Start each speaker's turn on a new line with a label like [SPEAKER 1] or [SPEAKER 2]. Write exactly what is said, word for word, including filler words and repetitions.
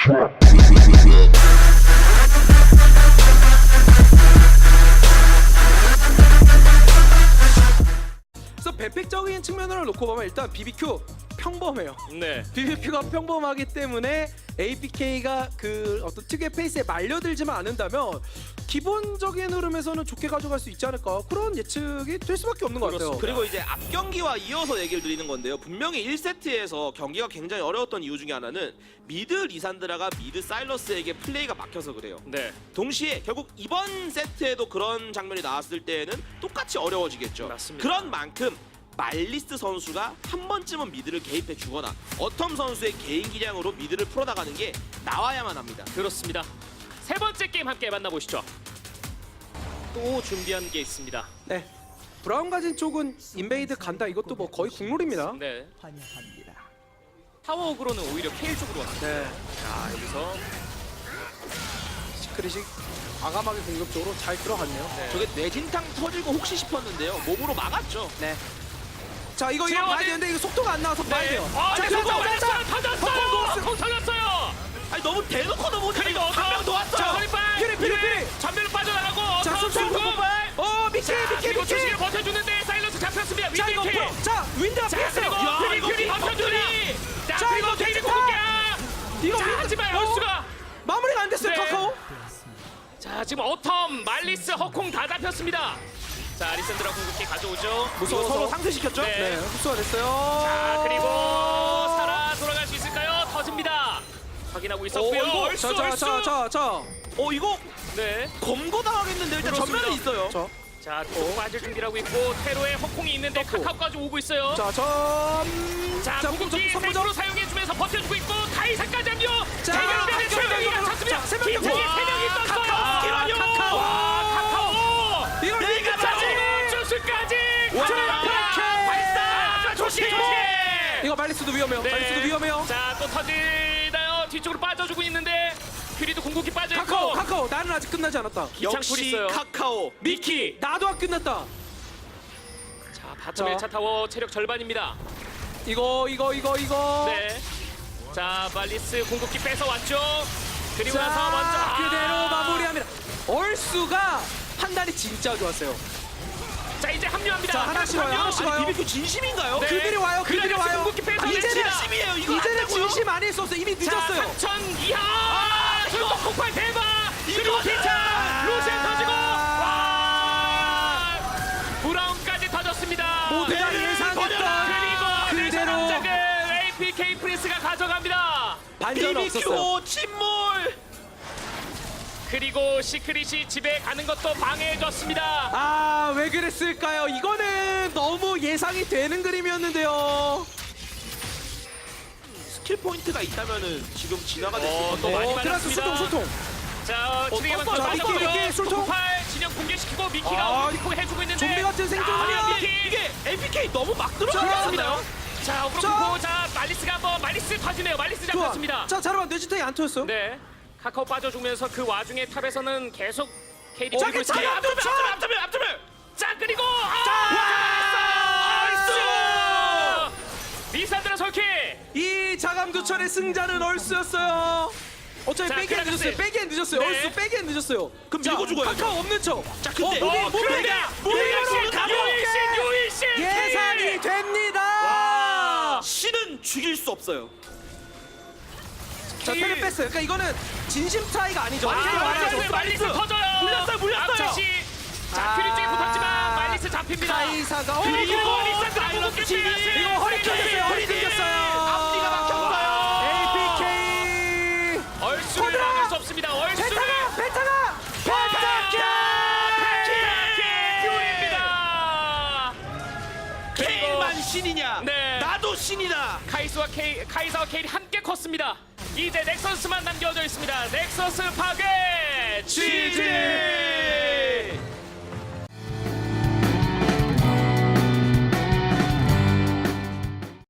[SPEAKER 1] 그래서 배팩적인 측면으로 놓고 보면 일단 비비큐 평범해요.
[SPEAKER 2] 네.
[SPEAKER 1] 비비큐가 평범하기 때문에 에이피케이가 그 어떤 특유의 페이스에 말려들지만 않는다면 기본적인 흐름에서는 좋게 가져갈 수 있지 않을까, 그런 예측이 될 수밖에 없는 것 같아요.
[SPEAKER 3] 그리고 이제 앞 경기와 이어서 얘기를 드리는 건데요. 분명히 일 세트에서 경기가 굉장히 어려웠던 이유 중에 하나는 미드 리산드라가 미드 사일러스에게 플레이가 막혀서 그래요.
[SPEAKER 2] 네.
[SPEAKER 3] 동시에 결국 이번 세트에도 그런 장면이 나왔을 때에는 똑같이 어려워지겠죠.
[SPEAKER 2] 맞습니다.
[SPEAKER 3] 그런 만큼 말리스 선수가 한 번쯤은 미드를 개입해 주거나 어텀 선수의 개인 기량으로 미드를 풀어나가는 게 나와야만 합니다.
[SPEAKER 2] 그렇습니다. 세 번째 게임 함께 만나보시죠. 또 준비한 게 있습니다.
[SPEAKER 1] 네. 브라운 가진 쪽은 인베이드 간다, 이것도 뭐 거의 국룰입니다.
[SPEAKER 2] 네. 타워그로는 오히려 케일 쪽으로 왔습니다.
[SPEAKER 1] 네.
[SPEAKER 2] 자, 여기서
[SPEAKER 1] 시크릿이 과감하게 공격적으로 잘 들어갔네요.
[SPEAKER 2] 네.
[SPEAKER 3] 저게 뇌진탕 터지고 혹시 싶었는데요. 몸으로 막았죠.
[SPEAKER 1] 네. 자, 이거 이거
[SPEAKER 2] 지원이-
[SPEAKER 1] 봐야 되는데 이거 속도가 안 나와서 봐야 돼요.
[SPEAKER 2] 아,
[SPEAKER 1] 자,
[SPEAKER 2] 네,
[SPEAKER 1] 그리고
[SPEAKER 2] 성공!
[SPEAKER 1] 자,
[SPEAKER 2] 터졌어요! 콩 터졌어요!
[SPEAKER 3] 아니 너무 대놓고 넘어오니까
[SPEAKER 2] 그리고
[SPEAKER 3] 한명 더 왔어요.
[SPEAKER 2] 자, 허리빨!
[SPEAKER 1] 피리, 피리, 피리!
[SPEAKER 2] 전면으로 빠져나가고
[SPEAKER 1] 자,
[SPEAKER 2] 어,
[SPEAKER 1] 손
[SPEAKER 2] 성공!
[SPEAKER 1] 손발. 어, 미키,
[SPEAKER 2] 자,
[SPEAKER 1] 미키,
[SPEAKER 2] 그리고
[SPEAKER 1] 미키.
[SPEAKER 2] 조심히 버텨주는데 사일러스 잡혔습니다.
[SPEAKER 1] 자, 이거
[SPEAKER 2] 윈디 킬!
[SPEAKER 1] 뭐, 자, 윈드가
[SPEAKER 2] 자,
[SPEAKER 1] 피했어요.
[SPEAKER 2] 그리고
[SPEAKER 3] 야,
[SPEAKER 2] 퓨리
[SPEAKER 3] 이거
[SPEAKER 2] 퓨리
[SPEAKER 3] 윈디
[SPEAKER 2] 버텨주니! 자,
[SPEAKER 1] 자,
[SPEAKER 2] 그리고
[SPEAKER 1] 이거
[SPEAKER 2] 케이지
[SPEAKER 1] 괜찮다.
[SPEAKER 2] 공격이야!
[SPEAKER 1] 이거
[SPEAKER 2] 자,
[SPEAKER 1] 윈드-
[SPEAKER 2] 하지만
[SPEAKER 1] 어?
[SPEAKER 2] 얼수가
[SPEAKER 1] 마무리가 안 됐어요,
[SPEAKER 2] 네.
[SPEAKER 1] 카카오.
[SPEAKER 2] 자, 지금 어텀, 말리스, 허콩 다 잡혔습니다. 자, 리센드라 궁극기 가져오죠.
[SPEAKER 1] 무서워서.
[SPEAKER 3] 서로 상쇄시켰죠?
[SPEAKER 2] 네.
[SPEAKER 1] 네, 흡수가 됐어요.
[SPEAKER 2] 자, 그리고 살아 돌아갈 수 있을까요? 터집니다. 확인하고 있었고요.
[SPEAKER 3] 어, 이거-
[SPEAKER 2] 얼쑤,
[SPEAKER 1] 자, 자,
[SPEAKER 2] 얼쑤.
[SPEAKER 1] 자, 자, 자.
[SPEAKER 3] 어 이거
[SPEAKER 2] 네.
[SPEAKER 3] 검거 당하겠는데 일단
[SPEAKER 2] 그렇습니다.
[SPEAKER 3] 전면에 있어요.
[SPEAKER 1] 자,
[SPEAKER 2] 자, 또 빠질 준비를 하고 있고 테로에 허콩이 있는데 카카오까지 오고 있어요.
[SPEAKER 1] 자, 점.
[SPEAKER 2] 자,
[SPEAKER 1] 자,
[SPEAKER 2] 궁극기
[SPEAKER 1] 선부
[SPEAKER 2] 세으로
[SPEAKER 1] 점.
[SPEAKER 2] 사용해주면서 버텨주고 있고 카이사까지 합류.
[SPEAKER 1] 자,
[SPEAKER 2] 대결변에 세 명이
[SPEAKER 1] 카카오.
[SPEAKER 2] 갇혔습니다.
[SPEAKER 1] 자, 세 명이
[SPEAKER 2] 기창이
[SPEAKER 1] 와,
[SPEAKER 2] 세 명이 떴어요.
[SPEAKER 1] 카카오 스킬 완료.
[SPEAKER 2] 카카오. 와, 카카오.
[SPEAKER 1] 이걸
[SPEAKER 2] 내가
[SPEAKER 1] 이겼죠.
[SPEAKER 2] 맞고 주스까지.
[SPEAKER 3] 와,
[SPEAKER 2] 자, 발사. 조심. 조심.
[SPEAKER 1] 이거 말리스도 위험해요.
[SPEAKER 2] 네.
[SPEAKER 1] 말리스도 위험해요.
[SPEAKER 2] 자, 또 터지나요? 뒤쪽으로 빠져주고 있는데 퓨리도 궁극기 빠져 있고.
[SPEAKER 1] 카카오, 카카오. 나는 아직 끝나지 않았다.
[SPEAKER 2] 기창풀
[SPEAKER 3] 역시
[SPEAKER 2] 있어요.
[SPEAKER 3] 카카오.
[SPEAKER 2] 미키.
[SPEAKER 1] 나도 안 끝났다.
[SPEAKER 2] 자, 바텀
[SPEAKER 1] 자.
[SPEAKER 2] 일 차 타워 체력 절반입니다.
[SPEAKER 1] 이거, 이거, 이거, 이거.
[SPEAKER 2] 네. 자, 말리스 궁극기 뺏어 왔죠. 그리고
[SPEAKER 1] 자,
[SPEAKER 2] 나서 먼저 아.
[SPEAKER 1] 그대로 마무리합니다. 얼수가 판단이 진짜 좋았어요.
[SPEAKER 2] 자, 이제 합류합니다.
[SPEAKER 1] 자, 하나씩 와요, 하나씩
[SPEAKER 3] 아니
[SPEAKER 1] 와요.
[SPEAKER 3] 비비큐 진심인가요?
[SPEAKER 2] 네.
[SPEAKER 1] 그들이 와요, 그들이
[SPEAKER 2] 그래서
[SPEAKER 1] 와요.
[SPEAKER 2] 궁극기 뺏어
[SPEAKER 1] 이제는
[SPEAKER 3] 진심이에요. 이거 안
[SPEAKER 1] 이제는
[SPEAKER 3] 되고요.
[SPEAKER 1] 진심 아닐 수 없어. 이미 늦었어요.
[SPEAKER 2] 자, 삼천 이하. 아,
[SPEAKER 3] 이거.
[SPEAKER 2] 이거 폭발 대박. 그리고
[SPEAKER 3] 이거는-
[SPEAKER 2] 기차
[SPEAKER 1] 아.
[SPEAKER 2] 루시안 터지고 와. 브라운까지 터졌습니다.
[SPEAKER 1] 모두가
[SPEAKER 3] 네,
[SPEAKER 1] 예상했던
[SPEAKER 2] 그리고
[SPEAKER 1] 그대로
[SPEAKER 2] 내셔남작을 에이피케이 프린스가 가져갑니다.
[SPEAKER 1] 반전 없었어요.
[SPEAKER 3] 비비큐 침몰.
[SPEAKER 2] 그리고 시크릿이 집에 가는 것도 방해해줬습니다.
[SPEAKER 1] 아, 왜 그랬을까요? 이거는 너무 예상이 되는 그림이었는데요.
[SPEAKER 3] 스킬 포인트가 있다면은 지금 진화가
[SPEAKER 2] 어,
[SPEAKER 3] 됐을
[SPEAKER 2] 또
[SPEAKER 3] 건데.
[SPEAKER 2] 많이
[SPEAKER 1] 어, 트라스
[SPEAKER 2] 맞았습니다.
[SPEAKER 1] 소통, 소통.
[SPEAKER 2] 자, 진행하면
[SPEAKER 3] 떴어요.
[SPEAKER 2] 또
[SPEAKER 1] 자, 미키,
[SPEAKER 2] 빠졌고요.
[SPEAKER 1] 미키, 술통.
[SPEAKER 2] 폭발 진영 붕괴시키고 미키가
[SPEAKER 1] 아,
[SPEAKER 2] 오리코 해주고 있는데
[SPEAKER 1] 좀비 같은 생존이야.
[SPEAKER 2] 아, 미키.
[SPEAKER 3] 이게 에이피케이 너무 막
[SPEAKER 1] 자,
[SPEAKER 3] 들어갔습니다.
[SPEAKER 2] 자, 오브로코 자, 말리스가 한번 말리스 터지네요. 말리스
[SPEAKER 1] 좋아.
[SPEAKER 2] 잡혔습니다.
[SPEAKER 1] 자, 자르반 뇌지탕이 안 터졌어요.
[SPEAKER 2] 네, 카카오 빠져주면서 그 와중에 탑에서는 계속 케이디
[SPEAKER 1] 자,
[SPEAKER 2] 밀고
[SPEAKER 1] 자,
[SPEAKER 2] 있습니다.
[SPEAKER 1] 앞으로,
[SPEAKER 3] 앞쪽에 앞쪽에 앞쪽에 앞쪽에.
[SPEAKER 2] 자, 그리고 아! 얼쑤! 리산드라 솔키.
[SPEAKER 1] 이 자감두철의 승자는 얼스였어요. 어차피
[SPEAKER 2] 자,
[SPEAKER 1] 빼기엔
[SPEAKER 2] 그라가스.
[SPEAKER 1] 늦었어요. 빼기엔 늦었어요.
[SPEAKER 2] 네.
[SPEAKER 1] 얼스 빼기엔 늦었어요.
[SPEAKER 3] 그럼
[SPEAKER 1] 자,
[SPEAKER 3] 밀고 죽어야죠.
[SPEAKER 1] 카카오 없는 척.
[SPEAKER 3] 자, 근데
[SPEAKER 1] 어, 무빙,
[SPEAKER 2] 어,
[SPEAKER 1] 무빙.
[SPEAKER 2] 그러니까
[SPEAKER 1] 무빙으로
[SPEAKER 2] 유일신,
[SPEAKER 1] 가볍게
[SPEAKER 2] 유일신, 유일신
[SPEAKER 1] 예상이 됩니다.
[SPEAKER 2] 와.
[SPEAKER 3] 신은 죽일 수 없어요.
[SPEAKER 1] 자, 패를 뺐어요. 그러니까 이거는 진심 차이가 아니죠.
[SPEAKER 2] 아,
[SPEAKER 1] 완전히
[SPEAKER 2] 말리스,
[SPEAKER 1] 완전
[SPEAKER 2] 말리스 터져요.
[SPEAKER 3] 물렸어요, 물렸어요.
[SPEAKER 2] 앞체시. 자,
[SPEAKER 1] 아.
[SPEAKER 2] 퓨리 쪽에 붙었지만 말리스 잡힙니다.
[SPEAKER 1] 카이사가 어,
[SPEAKER 2] 그리고
[SPEAKER 1] 이거
[SPEAKER 2] 리산드라
[SPEAKER 3] 사일러스
[SPEAKER 2] 궁극기
[SPEAKER 3] 팀이
[SPEAKER 2] 빼야지.
[SPEAKER 1] 이거 허리 끊겼어요. 허리 끊겼어요.
[SPEAKER 3] 앞뒤가 막혔어요.
[SPEAKER 1] 에이피케이
[SPEAKER 2] 얼쑤를
[SPEAKER 1] 코드라!
[SPEAKER 2] 막을 수 없습니다. 얼쑤를
[SPEAKER 1] 베타가 베타가
[SPEAKER 2] 퓨리입니다.
[SPEAKER 3] 케일만 신이냐?
[SPEAKER 2] 네.
[SPEAKER 3] 나도 신이다.
[SPEAKER 2] 카이스와 케이, 카이사와 케일이 함께 컸습니다. 이제 넥서스만 남겨져 있습니다. 넥서스 파괴 지지.